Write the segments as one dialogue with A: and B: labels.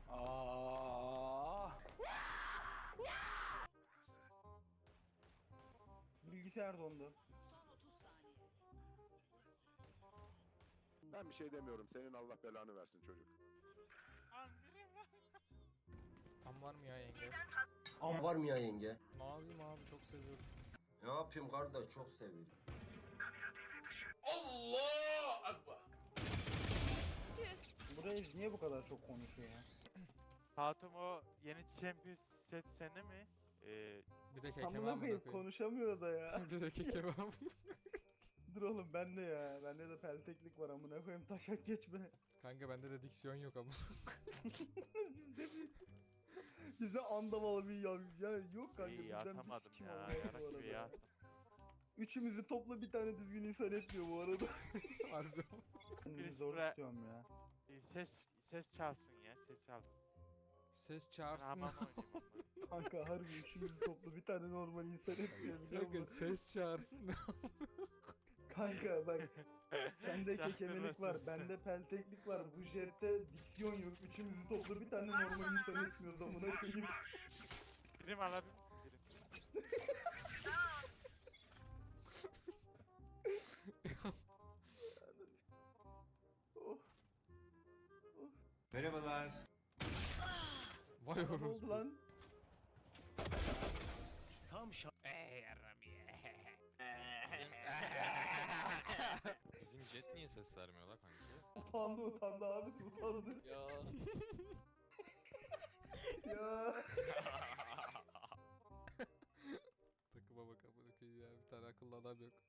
A: Aa. Bilgisayar dondu.
B: Son 30 saniye.
C: Ben bir şey demiyorum. Senin Allah belanı versin çocuk.
D: Tam var mı ya yenge?
E: Am var mı ya yenge?
D: Ne yapayım abi, çok seviyorum.
E: Ne yapayım kardeş, çok seviyorum.
A: Bu reis niye bu kadar çok konuşuyor ya?
F: Hatun o yeni Champions set sende mi?
D: Bir de keke var
A: Amına
D: mı
A: koyayım
D: koyayım?
A: konuşamıyor da ya.
D: Bir de keke var mı?
A: Dur oğlum bende ya. Bende de pelteklik var amına koyayım taşak geçme.
D: Kanka bende de diksiyon yok ama.
A: Bizde andavalı bir ya yok kanka.
F: İyi
A: bizden bir
F: atamadım
A: sikim
F: ya.
A: olmaz bu
F: Yarak gibi
A: arada.
F: ya.
A: Üçümüzü topla bir tane düzgün insan etmiyor bu arada.
D: Harbi.
A: Kendimi
F: Birisi
A: zor
F: buraya-
A: tutuyorum ya.
F: Ses çalsın ya. Ses çalsın.
D: Ses
F: Ben
D: çağırsın.
F: hamam oynayayım onunla.
A: Kanka harbi üçümüzü topla bir tane normal insan etmiyor biliyor
D: Kanka
A: musun?
D: ses çağırsın.
A: Kanka bak sende kekemelik var,
F: Çaktırma
A: bende pelteklik var, bu jette diksiyon yok. Üçümüzü topla bir tane normal insan etmiyoruz amına koyayım.
F: Prim alabilir misin prim?
A: Oh,
D: Vay
A: ne oldu
D: orospu.
A: lan?
G: Bizim jet niye ses vermiyor la kanka?
A: Utandı abi utandı.
G: Ya.
A: Ya.
D: Takıma bak amına koyayım ya, bir tane akıllı adam yok.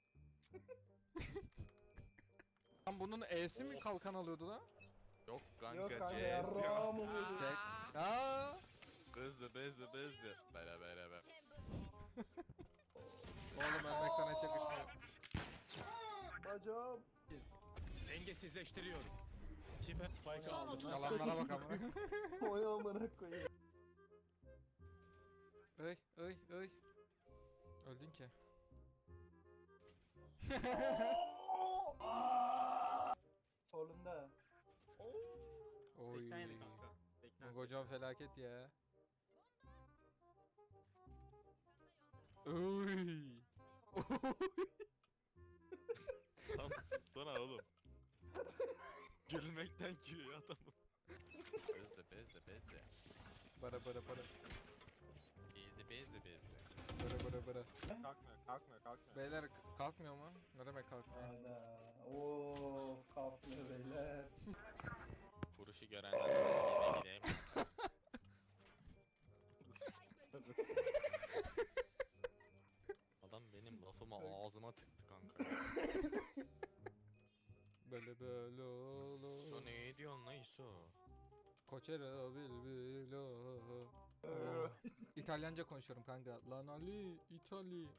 D: Lan bunun E'si mi kalkan alıyordu lan?
G: Yok kanka,
A: Yok kanka
G: jet
A: yarrağım
G: yok.
A: oluyor.
D: Sek. Aa!
G: Bezdi. Bere.
D: Oğlum ölmek sana hiç yakışmıyor.
A: Bacağım.
H: Dengesizleştiriyorum. Çipe spike
B: Son
H: aldım.
B: 30
D: Yalanlara
B: saniye.
D: bak amına.
A: Oy amına koyayım.
D: Öy. Öldün ki.
A: Solunda.
D: Oy.
H: 87 kanka. 80.
D: Bu hocam felaket ya. Oy.
G: Tam sussana oğlum. Gülmekten gülüyor adamı. Bezdi.
D: Bara. Bara.
H: Kalkmıyor.
D: Beyler kalkmıyor mu? Ne demek kalkmıyor?
A: Hayda. Of kalkmıyor beyler.
G: Vuruşu görenler gideyim. Adam benim lafımı ağzıma tıktı kanka.
D: Böyle olur.
G: So ne diyorsun lan İso?
D: Koçera bilbilo. İtalyanca konuşuyorum kanka. Lan Ali, İtali.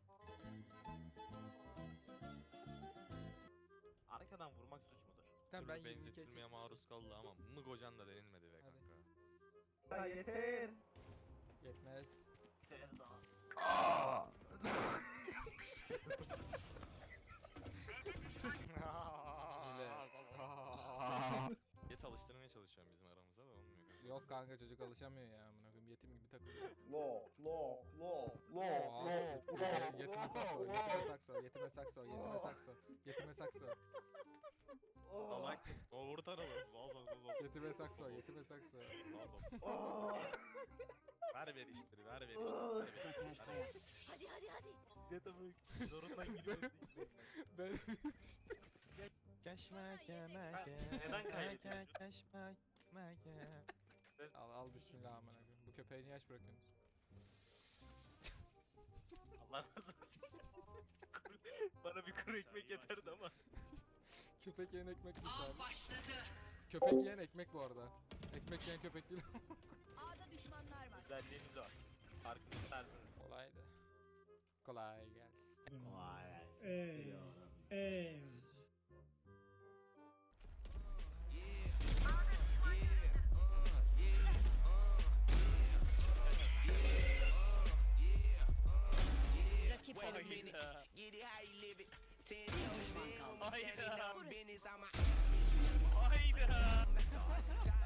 H: Arkadan vurmak suç mudur?
D: Tamam
G: Türlü
D: ben 22
G: benzetilmeye maruz kaldı ama mıgocan da denilmedi be
D: Hadi.
G: kanka.
A: Ya yeter.
D: Yetmez.
H: Serda.
G: Jet alıştırmaya çalışıyorum bizim aramızda da olmuyor kanka.
D: Yok kanka çocuk alışamıyor ya amına koyayım, yetim gibi takılıyor. Yetime sakso.
G: Salak. O vur taralı. Zol.
D: Yetime sakso.
G: Ver işleri.
B: Hadi.
H: Zeta'mı zorundan giriyorsun işte.
D: Ben
H: Neden kaybediyorsun?
D: al bismillah amına koyayım. Bu köpeği niye aç bırakıyorsunuz?
H: Allah razı olsun. Bana bir kuru ekmek yeterdi ama.
D: Köpek yiyen ekmek mi
B: Av
D: abi?
B: başladı.
D: Köpek yiyen ekmek bu arada. Ekmek yiyen köpek değil.
B: A'da düşmanlar var.
H: Özelliğimiz var. Farkını isterseniz.
D: Kolaydı. Kolay gelsin.
B: Rakip
H: Hayda.
B: düşman kaldı.
H: Hayda.
B: Burası.
H: Hayda.